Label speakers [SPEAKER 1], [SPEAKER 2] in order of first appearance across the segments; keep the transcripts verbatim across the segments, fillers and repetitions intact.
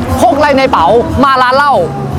[SPEAKER 1] พกอะไรในเป๋ามาร้านเหล้า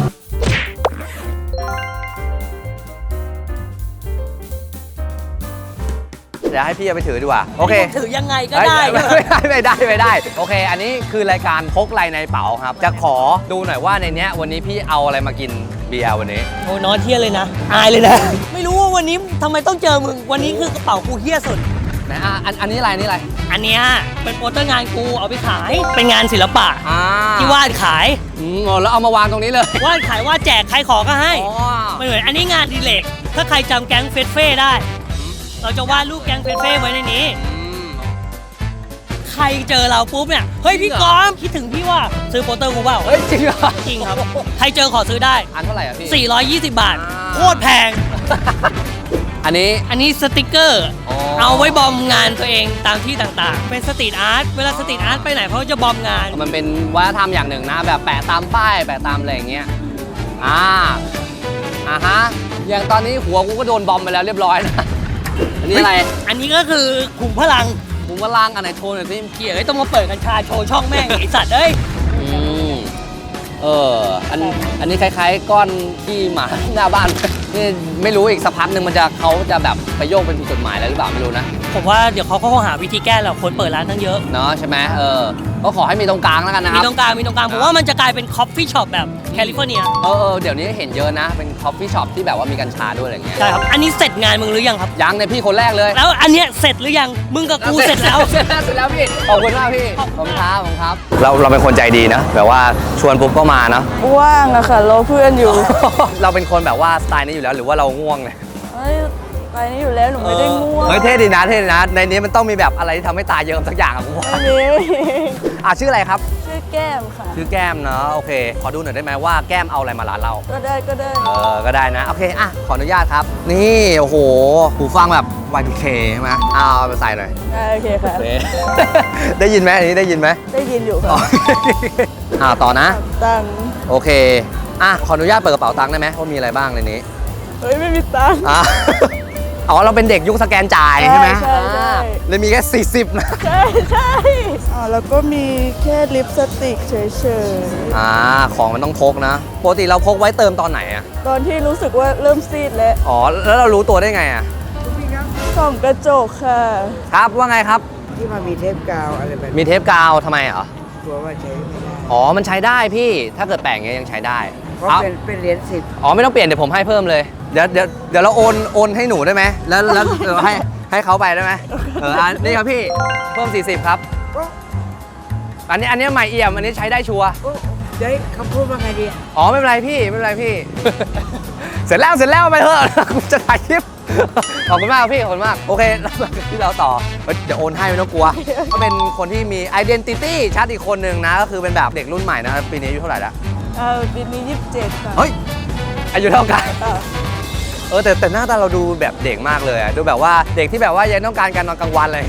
[SPEAKER 1] เดี๋ยวให้พี่เอาไปถือดีกว่าโอเค
[SPEAKER 2] ถือยังไงก็ได้
[SPEAKER 1] ไม่ได้ไม่ได้ไม่ได้โอเคอันนี้คือรายการพกอะไรในเป๋าครับจะขอดูหน่อยว่าในเนี้ยวันนี้พี่เอาอะไรมากินเบียร์วันนี้
[SPEAKER 2] โอ้น้อยเที่ยเลยนะอายเลยนะไม่รู้ว่าวันนี้ทำไมต้องเจอมึงวันนี้คือกระเป๋ากูเที่ยสุด
[SPEAKER 1] นะอ่ะอันอันนี้อะไรนี่อะไร
[SPEAKER 2] อันเนี้ยเป็นโปสเตอร์งานกูเอาไปขายเป็นงานศิลปะที่วาดขาย
[SPEAKER 1] อืมแล้วเอามาวางตรงนี้เลยว
[SPEAKER 2] าดขายวาดแจกใครขอก็ให้ไม่เหมือนอันนี้งานดีเล็กถ้าใครจำแก๊งเฟสเฟ่ได้เราจะวาดรูปแก๊งเฟสเฟ่ไว้ในนี้ใครเจอเราปุ๊บเนี่ยเฮ้ยพี่กอมคิดถึงพี่ว่าซื้อโปสเตอร์กูเปล่า
[SPEAKER 1] เฮ้ยจริงเหรอ
[SPEAKER 2] จริงครับใครเจอขอซื้อได้
[SPEAKER 1] อันเท่าไหร่อ่ะพี่
[SPEAKER 2] สี่ร้อยยี่สิบบาทโคตรแพง
[SPEAKER 1] อันนี้
[SPEAKER 2] อันนี้สติกเกอร์เอาไว้บอมงานตัวเองตามที่ต่างๆเป็นสตรีทอาร์ตเวลาสตรีทอาร์ตไปไหนเขาจะบอมงาน
[SPEAKER 1] มันเป็นวัฒนธรรมอย่างหนึ่งนะแบบแปะตามป้ายแปะตามอะไรอย่างเงี้ยอ่าอ่าฮะอย่างตอนนี้หัวกูก็โดนบอมไปแล้วเรียบร้อยนะอันนี้อะไร
[SPEAKER 2] อันนี้ก็คือขุมพลัง
[SPEAKER 1] ขุมพลังอันไหนโชว์หน่อยสิ
[SPEAKER 2] เกียร์ไอ้ต้องมาเปิดกัญชาโชว์ช่องแม่งไอสัตว์เอ้ย
[SPEAKER 1] เอออันอันนี้คล้ายๆก้อนที่หมาหน้าบ้านนี่ไม่รู้อีกสักพักหนึ่งมันจะเขาจะแบบไปโยกเป็นผิดกฎหมายอะไรหรือเปล่าไม่รู้นะ
[SPEAKER 2] ผมว่าเดี๋ยวเขาเขาหาวิธีแก้แล้วคนเปิดร้านทั้งเยอะ
[SPEAKER 1] เนาะใช่ไหมเออก็ขอให้มีตรงกลางแล้วกันนะครับ
[SPEAKER 2] มีตรงกลางมีตรงกลางผมว่ามันจะกลายเป็นคอฟฟี่ช็อปแบบแคลิฟอร์เนีย
[SPEAKER 1] เออเดี๋ยวนี้เห็นเยอะนะเป็นคอฟฟี่ช็อปที่แบบว่ามีกัญชาด้วยอะไรเงี้ย
[SPEAKER 2] ใช่ครับอันนี้เสร็จงานมึงหรือยังครับ
[SPEAKER 1] ยังในพี่คนแรกเลย
[SPEAKER 2] แล้วอันเนี้ยเสร็จหรือยังมึงกับกูเสร็จแล้ว
[SPEAKER 1] เสร็จแล้วเสร็จแล้วพี่ขอบคุณมากพี่ขอบคุณครับขอบคุณครับเราเราเป็นคนใจดีนะแบบว่าชวนปุ๊บก็มานะ
[SPEAKER 3] ว่างอะค่ะรอเพื่อนอยู่
[SPEAKER 1] เราเป็นคนแบบว่าสไตล์นี้อยู่แล้วหรือว่าเราง่วงเลย
[SPEAKER 3] ไปนี่อยู่แล้วหนูไม่ได้ง่วง
[SPEAKER 1] เฮ้ยเท่ดีนะเท่ดีนะในนี้มันต้องมีแบบอะไรที่ทำให้ตาเยิ้มสักอย่างอะผมว่าอ่ะชื่ออะไรครับ
[SPEAKER 3] ชื่อแก้มค่ะ
[SPEAKER 1] ชื่อแก้มเนาะโอเคขอดูหน่อยได้ไหมว่าแก้มเอาอะไรมาร้านเรา
[SPEAKER 3] ก็ได้ก็ได้
[SPEAKER 1] เออก็ได้นะโอเคอ่ะขออนุญาตครับนี่โอ้โหหูฟังแบบ วาย พี เค ใช่ไหมเอาไปใส่หน่อย
[SPEAKER 3] โอเคค่ะ
[SPEAKER 1] ได้ยินไหมอันนี้ได้ยินไหม
[SPEAKER 3] ได้ยินอยู่ค่ะ
[SPEAKER 1] อ่าต่อนะ
[SPEAKER 3] ตังค์
[SPEAKER 1] โอเคอ่ะขออนุญาตเปิดกระเป๋าตังค์ได้ไหมว่ามีอะไรบ้างในนี้
[SPEAKER 3] เฮ้ยไม่มีตังค์
[SPEAKER 1] อ๋อเราเป็นเด็กยุคสแกนจ่ายใช่ไหม
[SPEAKER 3] ใช่ใช่
[SPEAKER 1] เลยมีแค่สี่สิบนะ
[SPEAKER 3] ใช่ใช่อ๋อแล้วก็มีแค่ลิปสติกเฉย
[SPEAKER 1] ๆอ่าของมันต้องพกนะปกติเราพกไว้เติมตอนไหนอะ
[SPEAKER 3] ตอนที่รู้สึกว่าเริ่มซีดแล้ว
[SPEAKER 1] อ๋อแล้วเรารู้ตัวได้ไงอะ
[SPEAKER 3] ส่องกระจกค่ะ
[SPEAKER 1] ครับว่าไงครับ
[SPEAKER 4] ที่มันมีเทปกาวอะไรแบบ
[SPEAKER 1] มีเทปกาวทำไมเหรอก
[SPEAKER 4] ลัวว่าใช้ไม่ได้
[SPEAKER 1] อ๋อมันใช้ได้พี่ถ้าเกิดแปะอย่างเงี้ยยังใช้ได้
[SPEAKER 4] เพราะเป็นเป็นเหรียญสิบ
[SPEAKER 1] อ๋อไม่ต้องเปลี่ยนเดี๋ยวผมให้เพิ่มเลยเดี๋ยวเดี๋ยวเดี๋ยวเราโอนโอนให้หนูได้ไหมแล้วแล้วเออให้ให้เขาไปได้ไหมเอออันนี้ครับพี่เพิ่มสี่สิบครับอันนี้อันนี้ใหม่เอี่ยมอันนี้ใช้ได้ชัวร์
[SPEAKER 4] เดี๋ยวเขาพูดว่าไงดี
[SPEAKER 1] อ๋อไม่เป็นไรพี่ไม่เป็นไรพี่เสร็จแล้วเสร็จแล้วไปเถอะกูจะถ่ายคลิปขอบคุณมากพี่ขอบคุณมากโอเคแล้วมาที่เราต่อเดี๋ยวโอนให้ไม่ต้องกลัวก็เป็นคนที่มี identity ชัดอีกคนหนึ่งนะก็คือเป็นแบบเด็กรุ่นใหม่นะปีนี้อายุเท่าไหร่ละ
[SPEAKER 3] เออปีนี้ยี่สิบเจ็ดค่ะ
[SPEAKER 1] เฮ้ยอายุเท่ากันเออแต่แต่หน้าตาเราดูแบบเด็กมากเลยดูแบบว่าเด็กที่แบบว่ายังต้องการการนอนกลางวันเลย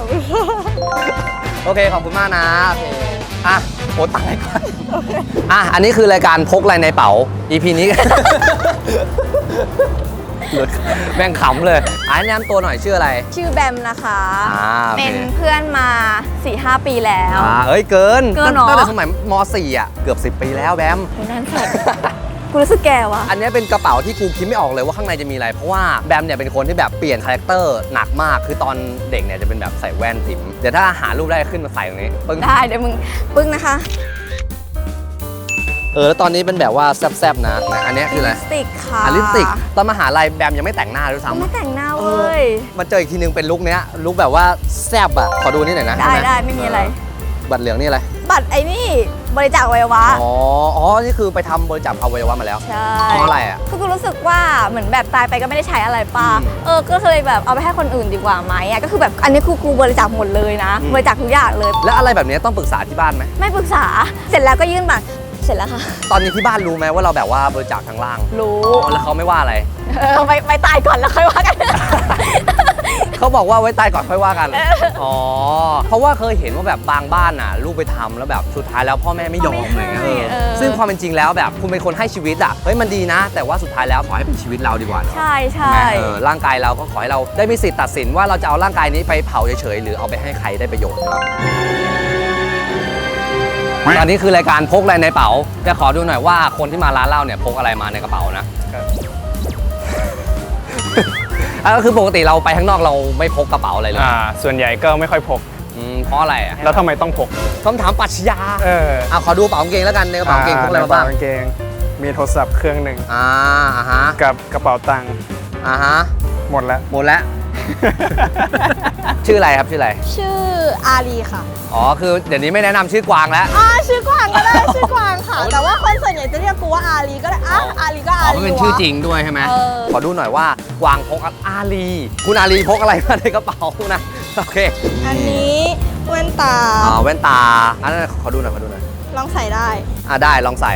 [SPEAKER 1] โอเคขอบคุณมากนะโอเคอ่ะโอนตังค์ให้ก่อนอ่ะอันนี้คือรายการพกอะไรในเป๋า อี พี นี้หลุดแม่งขำเลยอ่านแนะนำตัวหน่อยชื่ออะไร
[SPEAKER 5] ชื่อแบมนะคะเป็นเพื่อนมา สี่ห้า ปีแล้ว
[SPEAKER 1] อ่าเอ้ยเกิน
[SPEAKER 5] เกินเนาะ
[SPEAKER 1] ตั้งแต่สมัยม สี่ อ่ะเกือบสิบปีแล้วแบม
[SPEAKER 5] นั่นสุดกูรู้สึกแก่วะ
[SPEAKER 1] อันนี้เป็นกระเป๋าที่กูคิดไม่ออกเลยว่าข้างในจะมีอะไรเพราะว่าแบมเนี่ยเป็นคนที่แบบเปลี่ยนคาแรคเตอร์หนักมากคือตอนเด็กเนี่ยจะเป็นแบบใส่แว่นติ๋มเดี๋ยวถ้าหารูปได้ขึ้นมาใส่ตรงนี้ปึ้ง
[SPEAKER 5] ได้เดี๋ยวมึงปึ้งนะคะ
[SPEAKER 1] เออแล้วตอนนี้เป็นแบบว่าแซ่บๆนะอันนี้คืออะไร
[SPEAKER 5] ลิปสติกค่ะ
[SPEAKER 1] ลิปสติกตอนมหาลัยแบมยังไม่แต่งหน้าด้วยซ้ำ
[SPEAKER 5] ไม่แต่งหน้าเว้ย
[SPEAKER 1] มาเจออีกทีนึงเป็นลุคเนี้ยลุคแบบว่าแซ่บอ่ะขอดูนี่หน่อยนะ
[SPEAKER 5] ได้ได้ไม่มีอะไร
[SPEAKER 1] บัตรเหลืองนี่อะไร
[SPEAKER 5] บัตรไอ้นี่บริจาคอวัยวะ
[SPEAKER 1] อ๋ออ๋อนี่คือไปทำบริจาคอวัยวะมาแล้ว
[SPEAKER 5] ใช่
[SPEAKER 1] เพราะอะไรอ่ะ
[SPEAKER 5] ก็คือรู้สึกว่าเหมือนแบบตายไปก็ไม่ได้ใช้อะไรป่ะเออก็เคยแบบเอาไปให้คนอื่นดีกว่าไหมอ่ะก็คือแบบอันนี้คือกูบริจาคหมดเลยนะบริจาคทุกอย่างเลย
[SPEAKER 1] แล้วอะไรแบบนี้ต้องปรึกษาที่บ้านไหม
[SPEAKER 5] ไม่ปรึกษาเสร็จแล้วก็ยื่นบัตรเสร็จแล้วค่ะ
[SPEAKER 1] ตอนนี้ที่บ้านรู้ไหมว่าเราแบบว่าบริจาคทางล่าง
[SPEAKER 5] รู้
[SPEAKER 1] แล้วเขาไม่ว่าอะไร
[SPEAKER 5] เออไปไปตายก่อนแล้วค่อยว่ากัน
[SPEAKER 1] เขาบอกว่าไว้ตายก่อนค่อยว่ากันอ๋อเพราะว่าเคยเห็นว่าแบบบางบ้านน่ะลูกไปทำแล้วแบบสุดท้ายแล้วพ่อแม่ไม่ยอมอะไรเงี้ยซึ่งความเป็นจริงแล้วแบบคุณเป็นคนให้ชีวิตอ่ะเฮ้ยมันดีนะแต่ว่าสุดท้ายแล้วขอให้เป็นชีวิตเราดีกว่า
[SPEAKER 5] ใช่ใช่
[SPEAKER 1] ร่างกายเราก็ขอให้เราได้มีสิทธิ์ตัดสินว่าเราจะเอาร่างกายนี้ไปเผาเฉยๆหรือเอาไปให้ใครได้ประโยชน์ครับตอนนี้คือรายการพกอะไรในกระเป๋าจะขอดูหน่อยว่าคนที่มาร้านเหล้าเนี่ยพกอะไรมาในกระเป๋านะอ่ะก็คือปกติเราไปข้างนอกเราไม่พกกระเป๋าอะไรเลย
[SPEAKER 6] อ่าส่วนใหญ่ก็ไม่ค่อยพก
[SPEAKER 1] อืมเพราะอะไรอ่ะ
[SPEAKER 6] แล้วทำไมต้องพก
[SPEAKER 1] คำถามปรัชญา
[SPEAKER 6] เออ
[SPEAKER 1] อ่ะขอดูกระเป๋ากางเกงแล้วกันในกระเป๋ากางเกงพกอะไรมาบ้าง
[SPEAKER 6] ในกระเป๋กางเกงมีโทรศัพท์เครื่องหนึ่ง
[SPEAKER 1] อ่าอ่าฮะ
[SPEAKER 6] กับกระเป๋าตังค์
[SPEAKER 1] อ่าฮะ
[SPEAKER 6] หมดแล้ว
[SPEAKER 1] หมดแล้ว ชื่ออะไรครับชื่ออะไร
[SPEAKER 3] ชื่ออารีค่ะ
[SPEAKER 1] อ๋อคือเดี๋ยวนี้ไม่แนะนำชื่อกวางแล้ว
[SPEAKER 3] อ่าชื่อกวางก็ได้ ชื่อกวางค่ะ แต่ว่าคนส่วนใหญ่จะเรียกกูว่าอารีก็ได้อ่ะอารีก็
[SPEAKER 1] อ๋
[SPEAKER 3] อา
[SPEAKER 1] อ
[SPEAKER 3] รี
[SPEAKER 1] มันเป็น
[SPEAKER 3] วะ
[SPEAKER 1] ชื่อจริงด้วยใช่ไหม
[SPEAKER 3] เออ
[SPEAKER 1] ขอดูหน่อยว่ากวางพกอาลีคุณอาลีพกอะไรมาในกระเป๋านะโอเค
[SPEAKER 3] อันนี้แว่นตา
[SPEAKER 1] อ่าแว่นตาอันนั้นขอดูหน่อยขอดูหน่อย
[SPEAKER 3] ลองใส่ได้
[SPEAKER 1] อ่าได้ลองใส่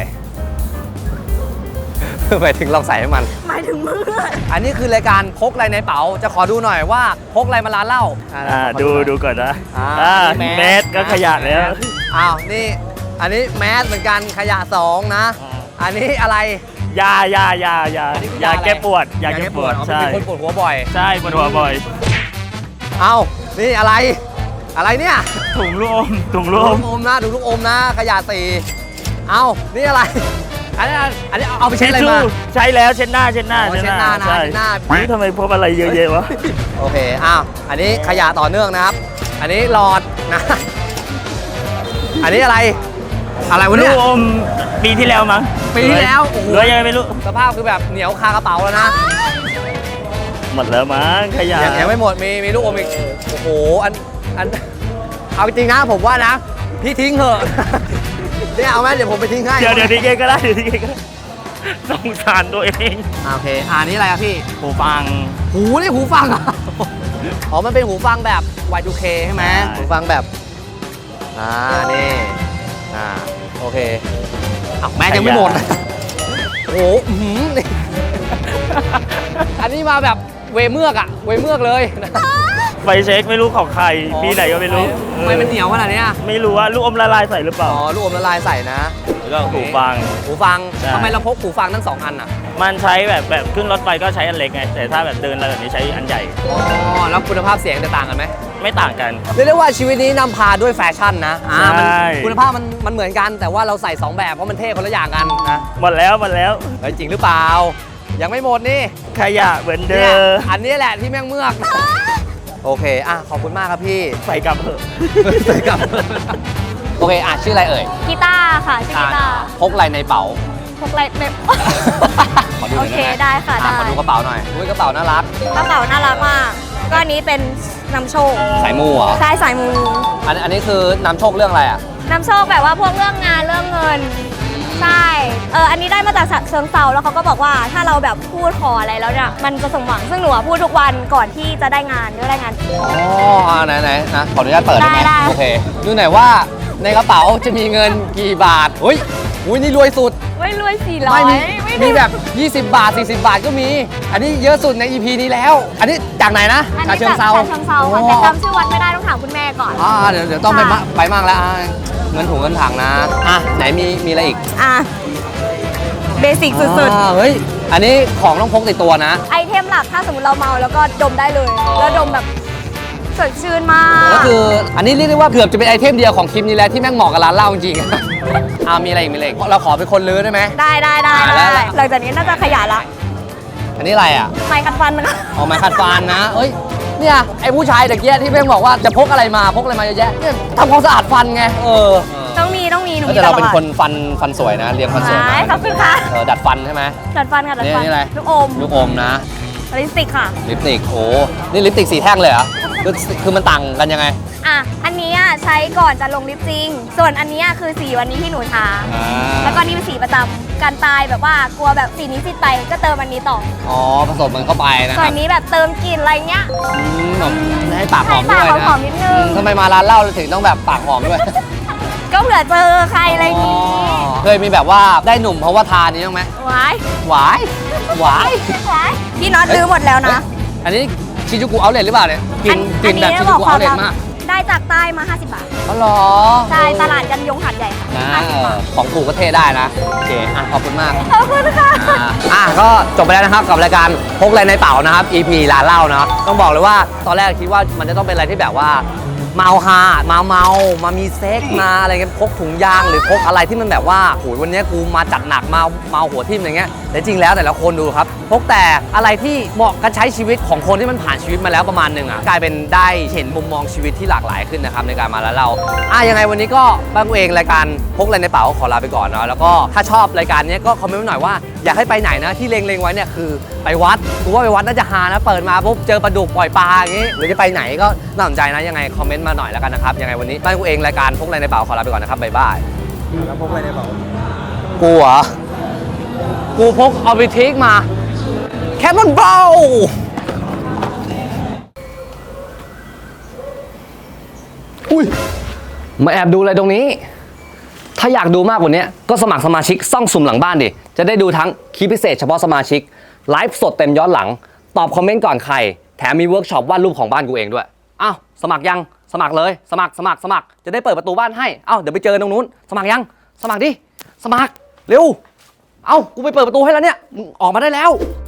[SPEAKER 1] หมายถึงลองใส่ให้มัน
[SPEAKER 3] หมายถึงมือ
[SPEAKER 1] อันนี้คือรายการพกอะไรในเป๋าจะขอดูหน่อยว่าพกอะไรมาร้านเหล้า
[SPEAKER 7] อ่า
[SPEAKER 1] ขอ
[SPEAKER 7] ดู
[SPEAKER 1] หน่อย
[SPEAKER 7] ดูก่อนนะ
[SPEAKER 1] อ่า
[SPEAKER 7] อ่า
[SPEAKER 1] นี่
[SPEAKER 7] แมสก็ขยะแล้ว
[SPEAKER 1] อ้าวนี่อันนี้แมสเหมือนกันขยะสองนะ อันนี้อะไร
[SPEAKER 7] ยายายายา
[SPEAKER 1] อันนี้คือย
[SPEAKER 7] า
[SPEAKER 1] อะไร
[SPEAKER 7] แก้ปวด ยาแก้ปวด
[SPEAKER 1] อ๋อ
[SPEAKER 7] ใช่
[SPEAKER 1] เป็นคนปวดหัวบ่อย
[SPEAKER 7] ใช่ปวดหัวบ่อย
[SPEAKER 1] เอ้านี่อะไร อะไรเนี่ย
[SPEAKER 7] ถุงลูกอมถุง
[SPEAKER 1] ดู
[SPEAKER 7] ลูกอ
[SPEAKER 1] ลู
[SPEAKER 7] ม
[SPEAKER 1] กอมนะดูลูกอมนะขยะตีเอ้านี่อะไร อันนี้อันนี้เอาไปเช็ดอะไรมา
[SPEAKER 7] ใช้แล้วเช็ดหน้าเช็ดหน้า
[SPEAKER 1] อ๋อเช็ดหน้านะ
[SPEAKER 7] ใช่
[SPEAKER 1] เช็ดหน้า
[SPEAKER 7] นี่ทำไมพบอะไรเยอะแยะวะ
[SPEAKER 1] โอเคอ้าวอันนี้ขยะต่อเนื่องนะครับ อันนี้หลอดนะ อันนี้อะไร อะไรวะ
[SPEAKER 7] ลู
[SPEAKER 1] เนี่ย
[SPEAKER 7] กอมปีที่แล้วมั้ง
[SPEAKER 1] ปีที่แล้วโอ้โห
[SPEAKER 7] เหลือยังไงไม่รู้
[SPEAKER 1] สภาพคือแบบเหนียวคากระเป๋าแล้วนะ
[SPEAKER 7] หมดแล้วมั้งขยะ
[SPEAKER 1] ยังยังไม่หมดมีมีลูกอมอีกโอ้โหอันอันเอาจริงนะผมว่านะพี่ทิ้งเถอะ เนี่ยเอาไหมเดี๋ยวผมไปทิ้งให้
[SPEAKER 7] เดี๋ยวเดี๋ยวทีเกก็ได้เดี๋ยวทีเกก็ได้สงสารตัวเอง
[SPEAKER 1] อ่าโอเคอ่านี่อะไรครับพี่
[SPEAKER 7] หูฟัง
[SPEAKER 1] หูนี่หูฟังเหรอ อ๋อ มันเป็นหูฟังแบบ วาย ทู เค ใช่ไหม
[SPEAKER 7] ใช่
[SPEAKER 1] หูฟังแบบ อ่า นี่ อ่า โอเคอ้าวแม่ยังไม่หมด โอ้โหอื้อหือนี่ อันนี้มาแบบเวเมือกอะเวเมือกเลย
[SPEAKER 7] ไฟเช็คไม่รู้ของใครปีไหนก็ไม่รู้
[SPEAKER 1] ทำไมมันเหนียวขนาดเนี้ย
[SPEAKER 7] ไม่รู้ว่าลูกอมละลายใส่หรือเปล่า
[SPEAKER 1] อ๋อ ลูกอมละลายใส่นะ
[SPEAKER 7] แล้วก็หูฟัง
[SPEAKER 1] หูฟัง
[SPEAKER 7] ใช่
[SPEAKER 1] ทำไมเราพกหูฟังทั้งสองอันอะ
[SPEAKER 7] มันใช้แบบแบบขึ้นรถไฟก็ใช้อันเล็กไง แต่ถ้าแบบเดินอะไรแบบนี้ใช้อันใหญ่
[SPEAKER 1] อ๋อ แล้วคุณภาพเสียงจะต่างกันไหม
[SPEAKER 7] ไม่ต่างกัน
[SPEAKER 1] เรียกได้ว่าชีวิตนี้นำพาด้วยแฟชั่นนะ อ่ามัน
[SPEAKER 7] ใช่
[SPEAKER 1] คุณภาพมันมันเหมือนกัน แต่ว่าเราใส่สองแบบเพราะมันเท่คนละอย่างกันนะ
[SPEAKER 7] หมดแล้วหมดแล้ว
[SPEAKER 1] เฮ้ยจริงหรือเปล่า ยังไม่หมดนี่
[SPEAKER 7] ขยะเหมือนเดิ
[SPEAKER 1] เนี่ย
[SPEAKER 7] ม
[SPEAKER 1] อันนี้แหละที่แม่งเมือก โอเค อ่ะ ขอบคุณมากครับพี่
[SPEAKER 7] ใส่กลับเถอะ
[SPEAKER 1] ใส่กลับ โอเค อ่ะ ชื่ออะไรเอ่ย
[SPEAKER 5] กีตาร์ค่ะชื่อกีตาร์
[SPEAKER 1] พกอะไรในเป๋า
[SPEAKER 5] พกอะไรแบบ
[SPEAKER 1] ขอดูห
[SPEAKER 5] โอ
[SPEAKER 1] น่อย
[SPEAKER 5] เค
[SPEAKER 1] ได้
[SPEAKER 5] ได้
[SPEAKER 1] ไหม
[SPEAKER 5] ค่ะ
[SPEAKER 1] อ่ะ
[SPEAKER 5] ได้
[SPEAKER 1] ขอดูกระเป๋าหน่อยอุ้ยกระเป๋าน่ารัก
[SPEAKER 5] กระเป๋าน่ารักมากก็อันนี้เป็นนำโชค
[SPEAKER 1] สายมูเหรอ
[SPEAKER 5] ใช่สายมู
[SPEAKER 1] อันอันนี้คือนำโชคเรื่องอะไรอ่ะ
[SPEAKER 5] นำโชคแบบว่าพวกเรื่องงานเรื่องเงินใช่เอออันนี้ได้มาจากเชิงเซาแล้วเขาก็บอกว่าถ้าเราแบบพูดขออะไรแล้วเนี่ยมันจะสมหวังซึ่งหนูอะพูดทุกวันก่อนที่จะได้งานก็ได้งาน
[SPEAKER 1] อ๋ออ่าไหนไหนนะ ขออนุญาตเปิดได้ไหม
[SPEAKER 5] ได้ได้
[SPEAKER 1] โอเค ดูหน่อยว่าในกระเป๋าจะมีเงินกี่บาทอุ้ยอุ้ยนี่รวยสุด
[SPEAKER 5] ไม่รวยสี่ร้อ
[SPEAKER 1] ไม่
[SPEAKER 5] ย
[SPEAKER 1] มีมีแบบ ยี่สิบบาท สี่สิบบาทก็มี อันนี้เยอะสุดใน อี พี นี้แล้ว อันนี้จากไหนนะ
[SPEAKER 5] อัน
[SPEAKER 1] จาก
[SPEAKER 5] นี้
[SPEAKER 1] เชิ
[SPEAKER 5] จาง ก
[SPEAKER 1] เซา
[SPEAKER 5] ฉะเชิงเซาค่ะแต่จำชื่อวัดไม่ได้ต้องถามคุณแม่ก่อน
[SPEAKER 1] อ่าเดี๋ยวเดี๋ยวต้องไปมาไปมั่งแล้วอ่าเงินถุงเงินถังนะ อ่ะ ไหนมีมีอะไรอีก
[SPEAKER 5] อ่ะเบสิกสุด
[SPEAKER 1] อ่าเฮ้ย อันนี้ของต้องพกติดตัวนะ
[SPEAKER 5] ๆ ไอเทมหลักถ้าสมมติเราเมาแล้วก็ดมได้เลย แล้วดมแบบสดชื่นมาก
[SPEAKER 1] ก็คืออันนี้เรียกได้ว่าเกือบจะเป็นไอเทมเดียวของคลิปนี้แล้วที่แม่งเหมาะกับร้านเหล้าจริงๆ อ่ามีอะไรอีกมีอะไรอีกเราขอเป็นคนลื้อได้ไหม
[SPEAKER 5] ได้ได้ได้
[SPEAKER 1] อ่า
[SPEAKER 5] ได้
[SPEAKER 1] แล้ว
[SPEAKER 5] หลังจากนี้น่าจะขยายละ
[SPEAKER 1] อันนี้อะไรอ่ะ
[SPEAKER 5] ไม้คัดฟันนะคะ
[SPEAKER 1] ออกมาขัดฟันนะเอ้ย เนี่ยไอ้ผู้ชายตะเกียที่แม่งบอกว่าจะพกอะไรมาพกอะไรมาเยอะแยะเนี่ยทำความสะอาดฟันไง เออ
[SPEAKER 5] ต้องมีต้องมีหนูมี
[SPEAKER 1] แต่
[SPEAKER 5] ต
[SPEAKER 1] เรา
[SPEAKER 5] ลอด
[SPEAKER 1] เป็นคนฟันฟันสวยนะเรียงฟันสวย
[SPEAKER 5] ใช่
[SPEAKER 1] มา
[SPEAKER 5] ขอบคุณค่ะ
[SPEAKER 1] เออดัดฟันใช่ไหม
[SPEAKER 5] ดัดฟันค่ะดัดฟัน
[SPEAKER 1] นี่นี่อะไร
[SPEAKER 5] ลูกอม
[SPEAKER 1] ลูกอมนะ
[SPEAKER 5] ลิปสติกค่ะ
[SPEAKER 1] ลิปสติกโอ้นี่ลิปสติกสีแท่งเลยเหรอคือคือมันต่างกันยังไง
[SPEAKER 5] อ่ะ อันนี้อ่ะใช้ก่อนจะลงลิปจริง ส่วนอันนี้อ่ะคือสีวันนี้ที่หนูทา
[SPEAKER 1] อ่า
[SPEAKER 5] แล้วก็นี่เป็นสีประจำการตายแบบว่ากลัวแบบสีนี้สิดไปก็เติมอันนี้ต่อ
[SPEAKER 1] อ๋อผสมมันเข้าไปนะ
[SPEAKER 5] ส่
[SPEAKER 1] ค
[SPEAKER 5] ว
[SPEAKER 1] รั
[SPEAKER 5] น
[SPEAKER 1] บ
[SPEAKER 5] นี้แบบเติมกลิ่นอะไรเงี้ย
[SPEAKER 1] อืมแบบให้ปากหอม
[SPEAKER 5] ให้
[SPEAKER 1] ด้วย
[SPEAKER 5] ปาก
[SPEAKER 1] นะ
[SPEAKER 5] หอมๆนิดนึง
[SPEAKER 1] อืมทำไมมาร้านเหล้าเราถึงต้องแบบปากหอมด้วย
[SPEAKER 5] ก็เผื่อเจอใครอะไรอย่างงี้
[SPEAKER 1] เคยมีแบบว่าได้หนุ่มเพราะว่าทานนี้บ้างไหม
[SPEAKER 5] วาย
[SPEAKER 1] หวายหวาย
[SPEAKER 5] วายพี่น็อตซื้อหมดแล้วนะ
[SPEAKER 1] อันนี้ชิจูกุเอาเลทหรือเปล่าเนี่ยกิน
[SPEAKER 5] อั
[SPEAKER 1] กินแบบ
[SPEAKER 5] นี้
[SPEAKER 1] ชิ
[SPEAKER 5] บ
[SPEAKER 1] จู
[SPEAKER 5] อก
[SPEAKER 1] กุ
[SPEAKER 5] ควา
[SPEAKER 1] เอา
[SPEAKER 5] ม
[SPEAKER 1] เลท
[SPEAKER 5] ลับ
[SPEAKER 1] มาก
[SPEAKER 5] ได้จากใต้มา ห้าสิบบาท
[SPEAKER 1] อ๋อเหรอ
[SPEAKER 5] ใช่ตลาดกันยงหัดใหญ่ค่ะ
[SPEAKER 1] นะ
[SPEAKER 5] ห้าสิบบาท
[SPEAKER 1] ของถูกก็เทได้นะโอเคอ่ะขอบคุณมาก
[SPEAKER 5] ขอบคุณค่ะ
[SPEAKER 1] อ่าอ่ะก็จบไปแล้วนะครับกับรายการพกอะไรในเป๋านะครับ อี พี ร้านเหล้าเนาะต้องบอกเลยว่าตอนแรกคิดว่ามันจะต้องเป็นอะไรที่แบบว่าเมาฮามาเมามามีเซ็กมาอะไรเงี้ยพกถุงยางหรือพกอะไรที่มันแบบว่าโหยวันนี้กูมาจัดหนักมาเมาหัวทิ่มอะไรเงี้ยแต่จริงแล้วแต่ละคนดูครับพกแต่อะไรที่เหมาะกับใช้ชีวิตของคนที่มันผ่านชีวิตมาแล้วประมาณหนึ่งอ่ะกลายเป็นได้เห็นมุมมองชีวิตที่หลากหลายขึ้นนะครับในการมาแล้วเราอ่ะยังไงวันนี้ก็บ้านกูเองรายการพกอะไรในเป๋าขอลาไปก่อนเนาะแล้วก็ถ้าชอบรายการนี้ก็คอมเมนต์มาหน่อยว่าอยากให้ไปไหนนะที่เล็งๆไว้เนี่ยคือไปวัดกูว่าไปวัดน่าจะฮานะเปิดมาปุ๊บเจอปลาดุกปล่อยปลาอย่างงี้หรือจะไปไหนก็น่าสนใจนะยังไงคอมเมนต์มาหน่อยแล้วกันนะครับยังไงวันนี้บ้านกูเองรายการพกอะไรในเป๋าขอลาไปก่อนนะครับบ๊ายบายแล้วพกอะไรในเป๋ากูเหรอกูพกเอาไปทิ้งมาแคมอนเบลอุ้ยมาแอบดูอะไรตรงนี้ถ้าอยากดูมากกว่านี้ก็สมัครสมาชิกซ่องสุ่มหลังบ้านดิจะได้ดูทั้งคลิปพิเศษเฉพาะสมาชิกไลฟ์สดเต็มย้อนหลังตอบคอมเมนต์ก่อนใครแถมมีเวิร์กช็อปวาดรูปของบ้านกูเองด้วยอ้าวสมัครยังสมัครเลยสมัครสมัครสมัครจะได้เปิดประตูบ้านให้เอ้าเดี๋ยวไปเจอตรงนู้นสมัครยังสมัครดิสมัครเร็วเอ้ากูไปเปิดประตูให้แล้วเนี่ยมึงออกมาได้แล้ว